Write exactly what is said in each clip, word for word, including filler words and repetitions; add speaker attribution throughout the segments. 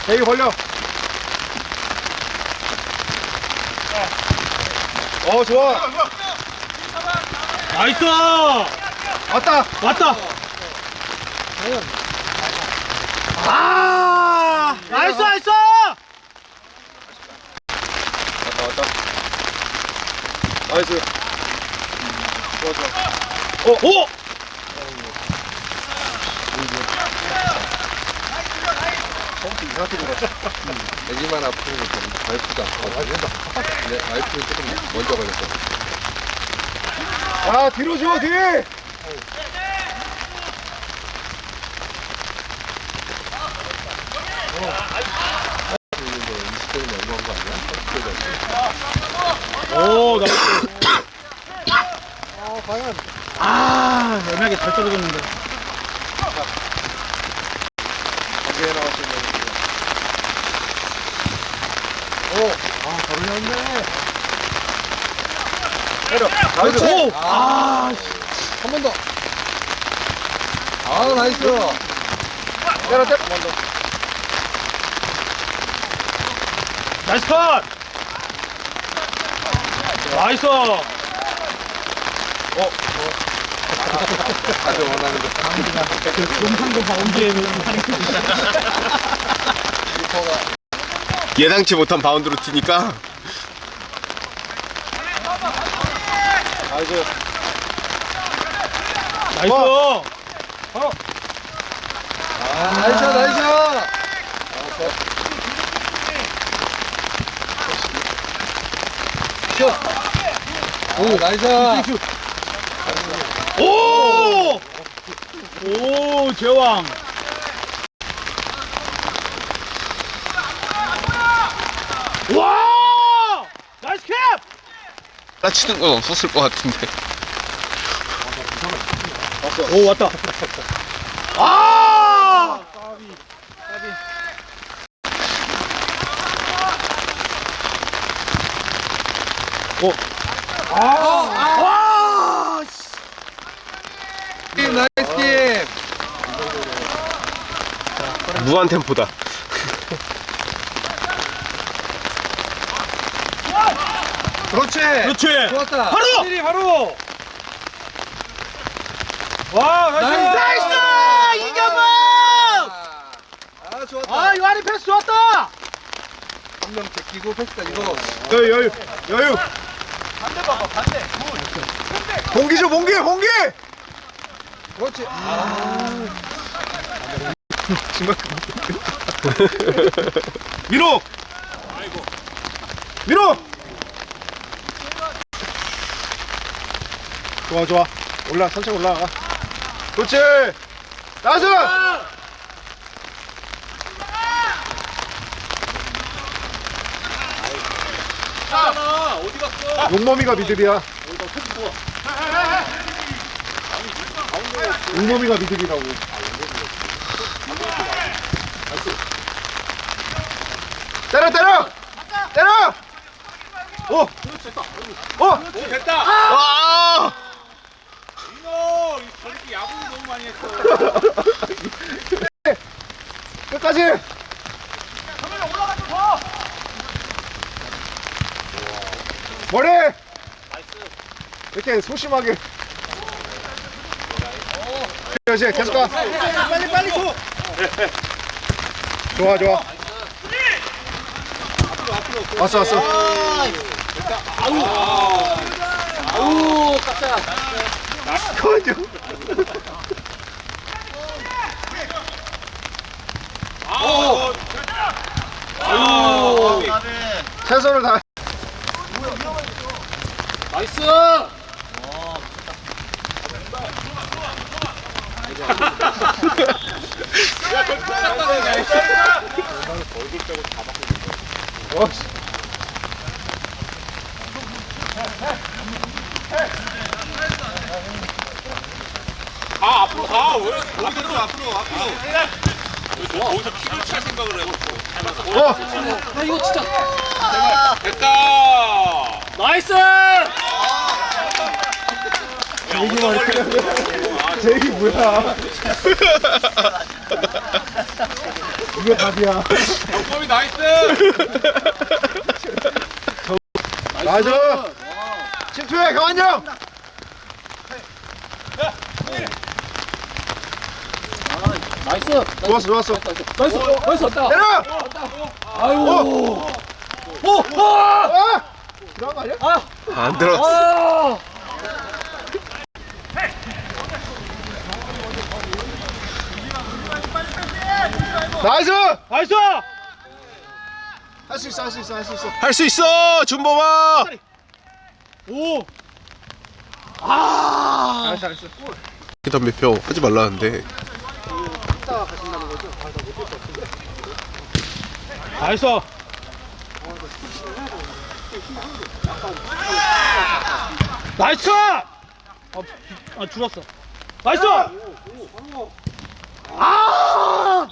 Speaker 1: 대기 벌려. 어, 좋아.
Speaker 2: 나이스!
Speaker 1: 왔다.
Speaker 2: 왔다! 아! 나이스, 나이스!
Speaker 1: 왔다, 왔다. 나이스. 좋아, 좋아.
Speaker 2: 어, 오!
Speaker 1: 펌프 이상하게 돌았어.
Speaker 3: 애기만 아프는 건 와이프도 아프거든요. 근데 와이프는 조금 먼저 걸렸어.
Speaker 1: 아, 뒤로 줘, 뒤!
Speaker 3: 이십 대는 연구한 거 아니야?
Speaker 2: 오, 나이스.
Speaker 1: 아, 과연.
Speaker 2: 아, 애매하게 잘 떨어졌는데.
Speaker 1: 경기에 나왔으면. 오, 아, 바로 나왔네. 때려. 나이스.
Speaker 2: 오! 아, 씨.
Speaker 3: 한 번 더. 아, 나이스.
Speaker 1: 때려, 때려. 한번 더.
Speaker 2: 나이스 컷! 나이스!
Speaker 3: 아주 원하는 거.
Speaker 2: 용상도 바운드에
Speaker 4: 예상치 못한 바운드로 튀니까
Speaker 1: 나이스.
Speaker 2: 나이스!
Speaker 3: 아, 나이스, 나이스. 슛. 오, 나이스.
Speaker 2: 오! 오, 제왕! 와! 나이스 캡!
Speaker 4: 따치는 건 없었을 것 같은데.
Speaker 2: 오, 왔다. 아! 오. 아! 와!
Speaker 3: 팀, 나이스 팀.
Speaker 4: 무한 템포다.
Speaker 3: 그렇지.
Speaker 2: 그렇지!
Speaker 3: 좋았다.
Speaker 2: 바로!
Speaker 1: 확실히 바로. 와, 나이스.
Speaker 2: 나이스! 이경범!
Speaker 3: 아, 좋았다.
Speaker 2: 아, 요한이 패스 좋았다!
Speaker 3: 한 명 제끼고 패스다 이거.
Speaker 1: 여유, 여유, 여유. 반대 봐봐, 반대. 봉기 줘, 봉기, 봉기.
Speaker 3: 그렇지.
Speaker 1: 밀어. 밀어. 좋아, 좋아. 올라, 천천히 올라가. 그렇지. 나이스. 용범이가 미들이야. 용범이가 미들이라고. 때려, 때려. 때려. 오. 오.
Speaker 2: 됐다!
Speaker 4: 아!
Speaker 2: 이노! 저렇게 야구 너무 많이 했어.
Speaker 1: 끝까지. 머리. 이렇게 소심하게. 그렇지, 계속 가.
Speaker 2: 빨리 빨리 줘!
Speaker 1: 좋아, 좋아. 왔어, 왔어.
Speaker 2: 아우, 깜짝아.
Speaker 1: 커져.
Speaker 2: 아우.
Speaker 1: 아우. 최선을 다.
Speaker 2: 나이스!
Speaker 1: 어.
Speaker 2: 가 앞으로 가. 왜 앞으로 앞으로 앞으로. 왜 거기서 피를 찰 생각을 해?
Speaker 1: 어.
Speaker 2: 아 이거 진짜. 됐다. 나이스.
Speaker 1: 제이기만 이렇게 제이기 뭐야? 이게 답이야.
Speaker 2: 경범이 나이스.
Speaker 1: 나이스. 침투해 경환 형.
Speaker 5: 나이스.
Speaker 1: 좋았어 좋았어.
Speaker 5: 나이스. 나이스. 왔다.
Speaker 1: 때려.
Speaker 5: 아이고. 오. 오.
Speaker 1: 아! 들어간 거 아니야?
Speaker 4: 안 들어.
Speaker 5: 아.
Speaker 1: 나이스.
Speaker 5: 나이스.
Speaker 1: 할 수 있어 할 수 있어 할 수 있어.
Speaker 4: 할 수 있어 준범아.
Speaker 5: 오. 아.
Speaker 1: 잘했어 잘했어.
Speaker 4: 기단 매표 하지 말라는데.
Speaker 5: 나이스. 나이스. 아, 아 죽었어. 나이스. 아.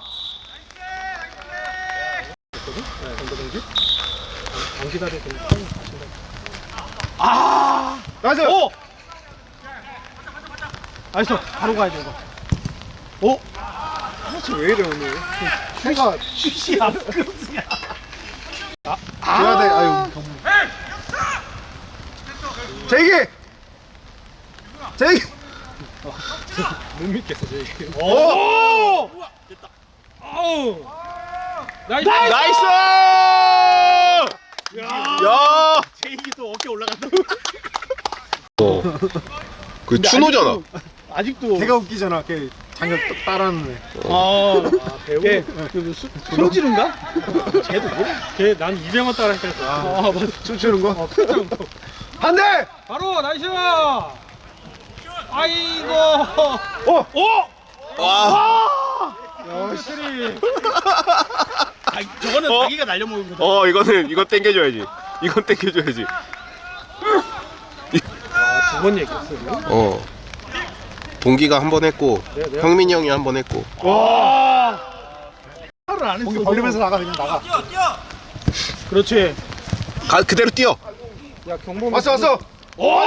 Speaker 5: 아.
Speaker 1: 나이스.
Speaker 5: 오. 나이스. 바로 가야 돼 이거. 오.
Speaker 1: 왜 이래 오늘? 해가
Speaker 5: 슛이야. 급이야.
Speaker 1: 줘야 돼. 아유 경무. 제기. 제기.
Speaker 5: 못 믿겠어 저기. 오. 됐다. 아우. 나이스.
Speaker 4: 나이스. 야.
Speaker 5: 제이기 또 어깨 올라간다.
Speaker 4: 어. 그 추노잖아.
Speaker 5: 아직도.
Speaker 1: 걔가 웃기잖아. 걔 장갑 따라하는 애.
Speaker 5: 아, 배우? 걔, 그, 수, 손지른가? 걔도 뭐야? 걔, 난 이병헌 따라 했다니까. 아, 맞아.
Speaker 1: 춤추는 거?
Speaker 5: 어, 큰장 또.
Speaker 1: 반대!
Speaker 5: 바로, 나이스! 아이고!
Speaker 1: 어!
Speaker 5: 오!
Speaker 4: 와.
Speaker 5: 확실히. 아, 저거는
Speaker 4: 어?
Speaker 5: 자기가 날려먹은 거다.
Speaker 4: 어 이거는 이거 땡겨줘야지. 이건 땡겨줘야지.
Speaker 5: 두 번 얘기했어.
Speaker 4: 어. 동기가 한 번 했고 형민이 형이 한 번 했고.
Speaker 5: 와! 말을 안 했어.
Speaker 1: 공기 벌리면서 나가 그냥 나가.
Speaker 5: 그렇지.
Speaker 4: 가 그대로 뛰어.
Speaker 5: 야, 경범.
Speaker 1: 왔어 왔어.
Speaker 5: 오!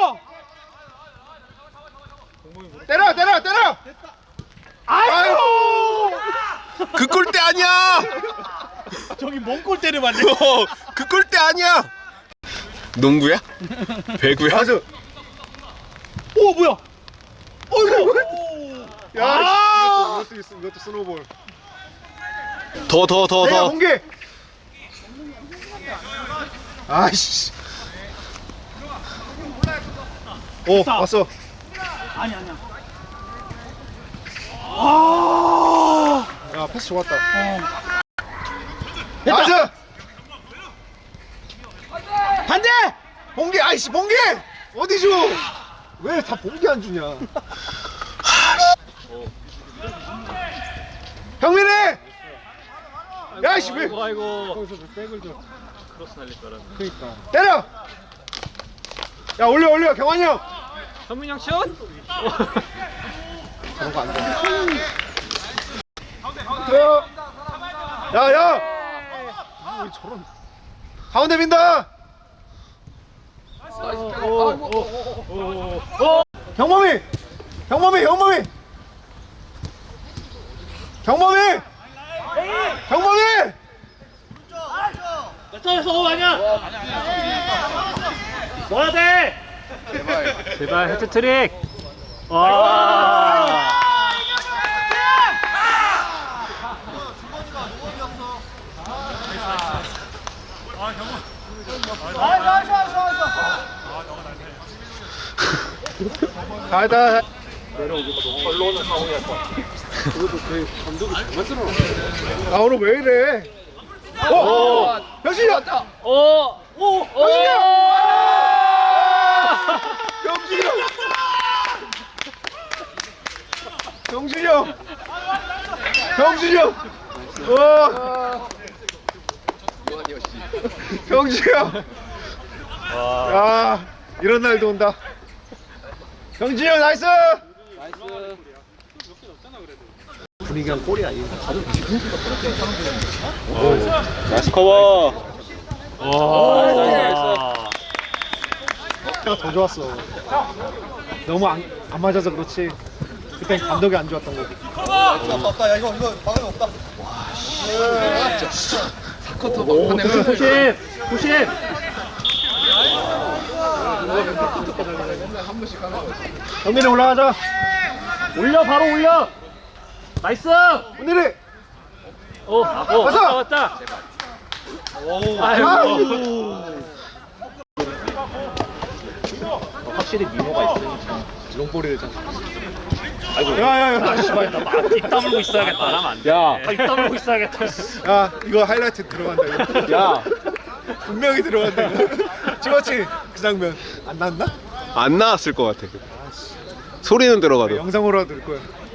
Speaker 1: 때려 때려 때려.
Speaker 5: 아이고!
Speaker 4: 그 꼴대 아니야.
Speaker 5: 저기 먼 골대를 맞네.
Speaker 4: 어, 그 꼴대 아니야. 농구야? 배구야?
Speaker 1: 나이스.
Speaker 5: 오, 뭐야? 어이구!
Speaker 1: 야
Speaker 5: 아!
Speaker 1: 이것도, 이것도 있어. 이것도 스노볼.
Speaker 4: 더 더 더
Speaker 1: 내가
Speaker 4: 더.
Speaker 1: 공기. 아이씨. 오 왔어.
Speaker 5: 아니, 아니야. 아!
Speaker 1: 야 패스 좋았다.
Speaker 5: 어.
Speaker 1: 나이스.
Speaker 5: 반대!
Speaker 1: 봉기 아이씨 봉기 어디 줘? 왜 다 봉기 안 주냐? 형민이! 야이씨 왜?
Speaker 5: 아이고, 아이고.
Speaker 1: 거기서 왜 백을 줘?
Speaker 5: 크로스 날릴 줄 알았네.
Speaker 1: 그니까 때려! 야 올려 올려 경환이 형!
Speaker 5: 현민이 형 슛?
Speaker 1: 그런 거 안 돼. 때려! 야야! 왜 저런 가운데 민다! 경범이! 경범이! 경범이! 경범이! 경범이!
Speaker 5: 어, 아니야. 넣어야 돼. 제발. 제발 해트트릭. 와.
Speaker 1: 가다. 아 오늘 왜 이래? 어! 현진이 왔다.
Speaker 5: 오. 오.
Speaker 1: 현진이 형! 현진이 형! 경준이 형! 경준이 형! 와! 경준이 형! 야, 이런 날도 온다. 경준이 형 나이스! 분위기가 골이야.
Speaker 4: 나이스 커버.
Speaker 5: 와.
Speaker 1: 더 좋았어. 너무 안, 안 맞아서 그렇지. 그땐 감독이 안 좋았던 거지. 없다 없다. 야 이거 이거 막으면 없다.
Speaker 3: 쿼터 막판에
Speaker 5: 조심 조심.
Speaker 3: 한 번씩 하나
Speaker 5: 경민이 올라가자. 올려 바로 올려. 나이스.
Speaker 1: 오늘이
Speaker 5: 어, 어 왔다 왔다. 아이고. 확실히 미모가 있으니까.
Speaker 3: 롱볼이 되잖아.
Speaker 1: 야야야.
Speaker 5: 씨발 나입 다물고 있어야겠다. 하면 안 돼.
Speaker 1: 야.
Speaker 5: 입 다물고 있어야겠다.
Speaker 1: 야 이거 하이라이트 들어간다 이거. 야 분명히 들어간다 이거. 찍었지 그 장면 안 났나?
Speaker 4: 안 나왔을 것 같아. 소리는 들어가도.
Speaker 1: 영상으로 넣을 거야.